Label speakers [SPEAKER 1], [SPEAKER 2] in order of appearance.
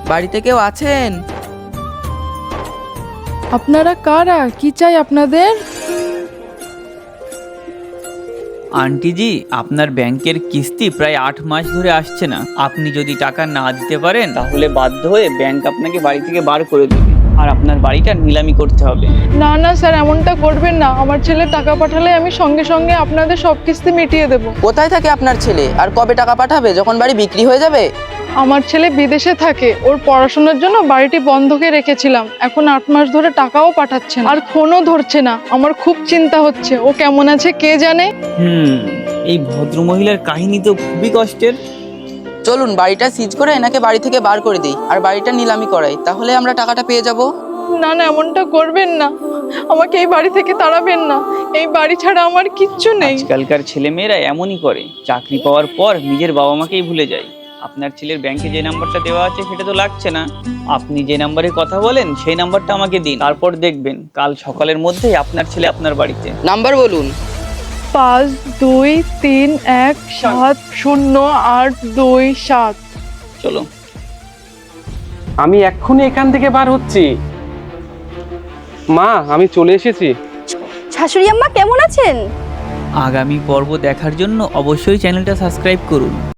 [SPEAKER 1] বাড়িতে কেউ আছেন?
[SPEAKER 2] আপনারা কারা? কি চাই আপনাদের?
[SPEAKER 3] আন্টি জি, আপনার ব্যাংকের কিস্তি প্রায় 8 মাস ধরে আসছে না। আপনি যদি টাকা না দিতে পারেন তাহলে বাধ্য হয়ে ব্যাংক আপনাকে বাড়ি থেকে বার করে দেবে, আর আপনার বাড়িটা নিলামি করতে হবে।
[SPEAKER 2] না না স্যার, এমনটা করবেন না। আমার ছেলে টাকা পাঠালে আমি সঙ্গে সঙ্গে আপনাদের সব কিস্তি মিটিয়ে দেব।
[SPEAKER 1] কোথায় থাকে আপনার ছেলে, আর কবে টাকা পাঠাবে? যখন বাড়ি বিক্রি হয়ে যাবে?
[SPEAKER 2] আমার ছেলে বিদেশে থাকে, ওর পড়াশোনার জন্য বাড়িটি বন্ধকে রেখেছিলাম। এখন 8 মাস ধরে টাকাও পাঠাচ্ছে না, আর ফোনও ধরছে না। আমার খুব চিন্তা হচ্ছে, ও কেমন আছে কে জানে।
[SPEAKER 3] এই ভদ্রমহিলার কাহিনী তো খুবই কষ্টের।
[SPEAKER 1] চলুন বাড়িটা সিজ করে এনাকে বাড়ি থেকে বার করে দিই, আর বাড়িটা নিলামি করাই, তাহলে আমরা টাকাটা পেয়ে যাব।
[SPEAKER 2] না না, এমনটা করবেন না। আমাকে এই বাড়ি থেকে তাড়াবেন না। এই বাড়ি ছাড়া আমার কিচ্ছু নেই।
[SPEAKER 3] আজকালকার ছেলেমেয়েরা এমনই করে, চাকরি পাওয়ার পর নিজের বাবা মাকেই ভুলে যায়। আপনার ছেলের ব্যাংকে যে নাম্বারটা দেওয়া আছে সেটা তো লাগছে না। আপনি যে নাম্বারে কথা বলেন সেই নাম্বারটা আমাকে দিন, তারপর দেখবেন কাল সকালের মধ্যেই আপনার ছেলে আপনার বাড়িতে।
[SPEAKER 1] নাম্বার বলুন।
[SPEAKER 2] 5231708227।
[SPEAKER 3] চলো।
[SPEAKER 4] আমি এক্ষুনি এখান থেকে বার হচ্ছি। মা, আমি চলে এসেছি।
[SPEAKER 5] শাশুড়ি আম্মা কেমন আছেন?
[SPEAKER 3] আগামী পর্ব দেখার জন্য অবশ্যই চ্যানেলটা সাবস্ক্রাইব করুন।